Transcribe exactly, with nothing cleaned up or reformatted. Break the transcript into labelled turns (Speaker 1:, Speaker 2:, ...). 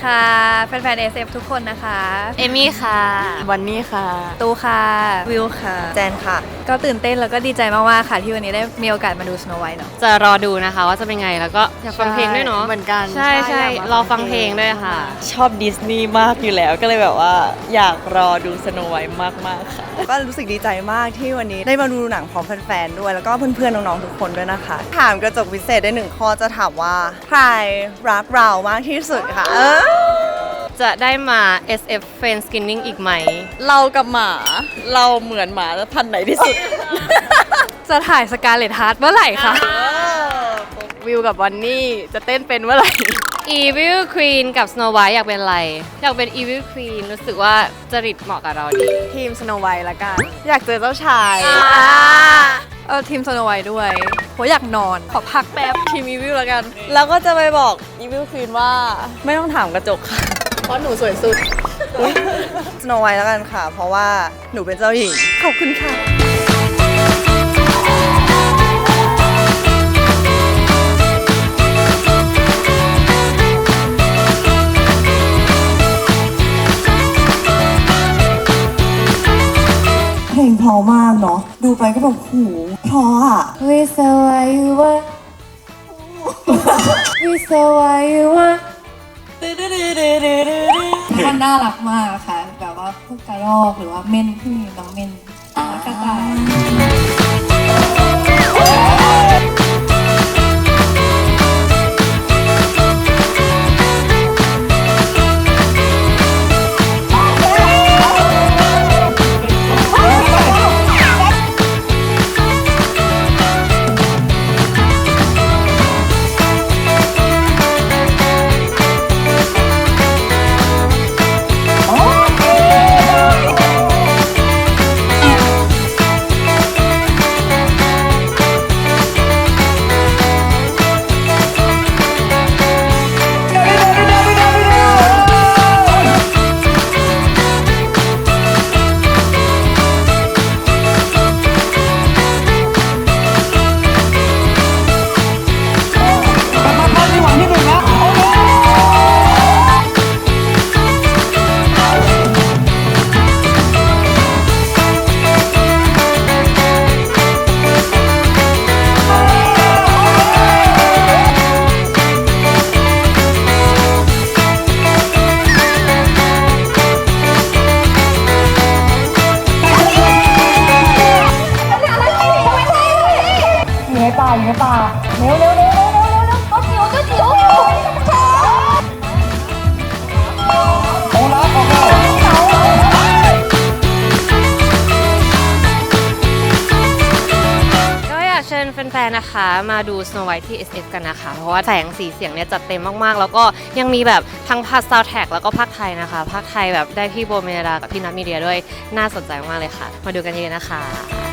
Speaker 1: ค่ะแฟนๆ เอส เอฟ ทุกคนนะคะ
Speaker 2: เอมี่ค่ะ
Speaker 3: วันนี้ค่ะ
Speaker 1: ตูค่ะ
Speaker 4: วิวค่ะแจนค่ะ
Speaker 1: ก็ตื่นเต้นแล้วก็ดีใจมากๆค่ะที่วันนี้ได้มีโอกาสมาดู Snow White เนาะ
Speaker 2: จะรอดูนะคะว่าจะเป็นไงแล้วก็อยากฟังเพลงด้วยเนาะ
Speaker 3: เหมือนกัน
Speaker 2: ใช่ใช่รอฟังเพลงด้วยค่ะ
Speaker 3: ชอบดิสนีย์มากอยู่แล้วก็เลยแบบว่าอยากรอดูสโนไวท์มากๆค่ะ
Speaker 4: ก็รู้สึกดีใจมากที่วันนี้ได้มาดูหนังพร้อมแฟนๆด้วยแล้วก็เพื่อนๆน้องๆทุกคนด้วยนะคะถามกระจกวิเศษได้หนึ่งข้อจะถามว่าใครรักเรามากที่สุดค่ะเออ
Speaker 2: จะได้มา เอส เอฟ Fan Skinning อีกไหม
Speaker 3: เรากับหมาเราเหมือนหมาพันธุ์ไหนที่สุด
Speaker 1: จะถ่ายสกาเลตฮาร์ทเมื่อไหร่คะ
Speaker 3: วิวกับวันนี่จะเต้นเป็นเมื่อไหร่
Speaker 2: Evil Queen กับ Snow White อยากเป็นอะไรอยากเป็น Evil Queen รู้สึกว่าจริตเหมาะกับเราดี
Speaker 3: ทีมสโนไวท์ละกันอยากเจอเจ้าชาย
Speaker 1: เออทีม Snow White ด้วยโหอยากนอนขอพักแป๊บ
Speaker 3: ทีมอีวิลละกันแล้วก็จะไปบอกอีวิลควีนว่าไม่ต้องถามกระจกค่ะเพราะหนูสวยสุด
Speaker 4: สโนไวท์แล้วกันค่ะเพราะว่าหนูเป็นเจ้าหญิงขอบคุณค่ะ
Speaker 5: เพลงเพราะมากเนาะดูไปก็แบบหูเพราะอ่ะ
Speaker 6: We saw why you were We saw why you were มันน่ารักมากค่ะแบบว่าพวกกระรอกหรือว่าเม่นที่มีน้องเม่นแล้วกระต่ายอยู่ในป่าเร็วเร็วเร็วเร็วเร็วเร็วตัวจิ๋วตัวจิ๋วโอ้รักโอเค
Speaker 2: ก็อยากเชิญแฟนๆนะคะมาดู Snow White ที่ เอส เอฟ กันนะคะเพราะว่าแสงสีเสียงเนี่ยจัดเต็มมากๆแล้วก็ยังมีแบบทั้งพาสซาวด์แท็กแล้วก็ภาคไทยนะคะภาคไทยแบบได้พี่โบเมลดากับพี่นัทมีเดียด้วยน่าสนใจมากๆเลยค่ะมาดูกันเยอะๆนะคะ